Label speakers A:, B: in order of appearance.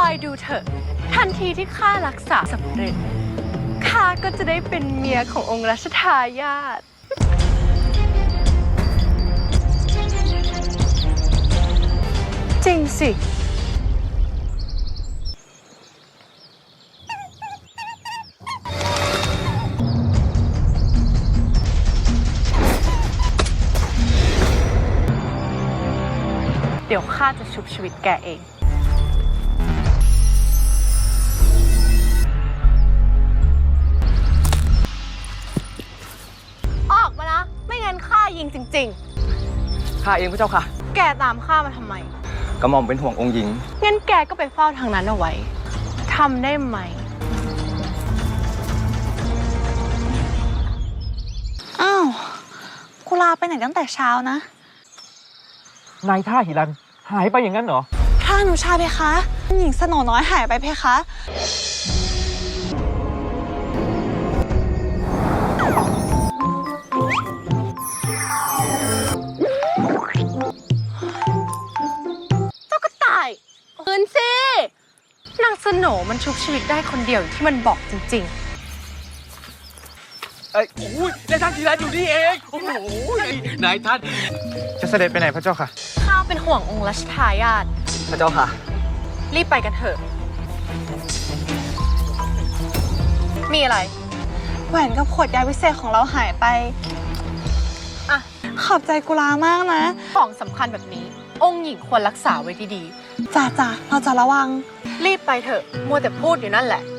A: อยดูเถอะทันทีที่ข้ารักษาสำเร็จข้าก็จะได้เป็นเมียขององค์รัชทายาทจริงสิเดี๋ยวข้าจะชุบชีวิตแกเองออกมานะไม่งั้นข้ายิงจริงๆ
B: ข้าเองพระเจ้าค่ะ
A: แกตามข้ามาทำไม
B: กระหม่อมเป็นห่วงองค์หญิง
A: งั้นแกก็ไปเฝ้าทางนั้นเอาไว้ทำได้ไหม
C: อ้าวกุลาไปไหนตั้งแต่เช้านะ
B: นายท่าหิรันหายไปอย่างนั้นเหรอ
C: พระอนุชาเพคะหญิงสโนน้อยหายไปเพคะ
A: เจ้ากระต่ายคืนสินางสโหนมันชุบชีวิตได้คนเดียวที่มันบอกจริงๆ
D: โอ้ยนายท่านหิรันอยู่นี่เองโอ้โหนายท่าน
B: จะเสด็จไปไหนพระเจ้าค่ะ
A: ข้าเป็นห่วงองค์รัชทายาท
B: พระเจ้าค่ะ
A: รีบไปกันเถอะมีอะไร
C: แหวนกับขวดยาวิเศษของเราหายไป
A: อ่ะ
C: ขอบใจกุลามากนะ
A: ของสำคัญแบบนี้องค์หญิงควรรักษาไว้ดี
C: จ้าเราจะระวัง
A: รีบไปเถอะมัวแต่พูดอยู่นั่นแหละ